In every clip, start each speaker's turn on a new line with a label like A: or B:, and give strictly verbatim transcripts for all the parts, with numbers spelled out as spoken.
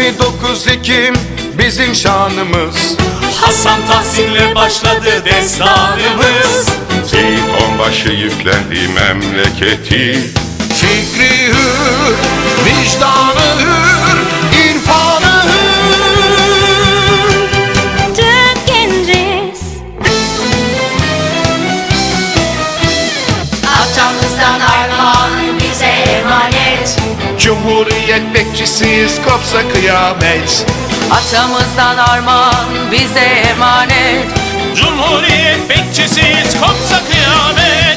A: yirmi dokuz Ekim bizim şanımız.
B: Hasan Tahsin'le başladı destanımız.
C: Seyit Onbaşı yüklendi memleketi.
A: Fikri hür, vicdanı hür, irfanı hür.
D: Türk genciz. Atamızdan armağan bize emanet.
A: Cumhuriyet bekçisiyiz, kopsa kıyamet.
E: Atamızdan armağan bize emanet.
B: Cumhuriyet bekçisiyiz, kopsa kıyamet.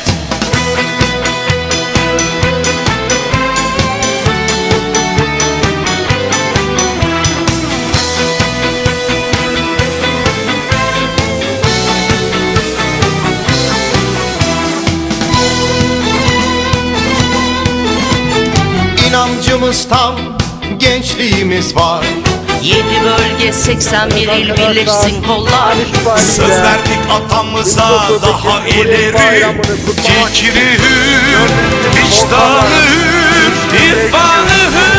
A: İnancımız tam, gençliğimiz var.
E: Yedi bölge seksen bir il birleşsin kollar.
B: Söz verdik atamıza daha ileri.
A: Fikri hür, vicdanı hür, irfanı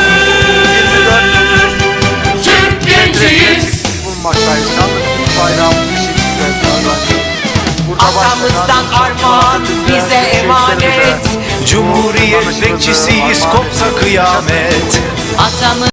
A: hür.
B: Türk genciyiz.
F: bulunmaktayız. Yalnız bayrağımız bir şekilde
E: Atamızdan armağan bize emanet.
A: Cumhuriyet bekçisiyiz, kopsa kıyamet.
E: Atamız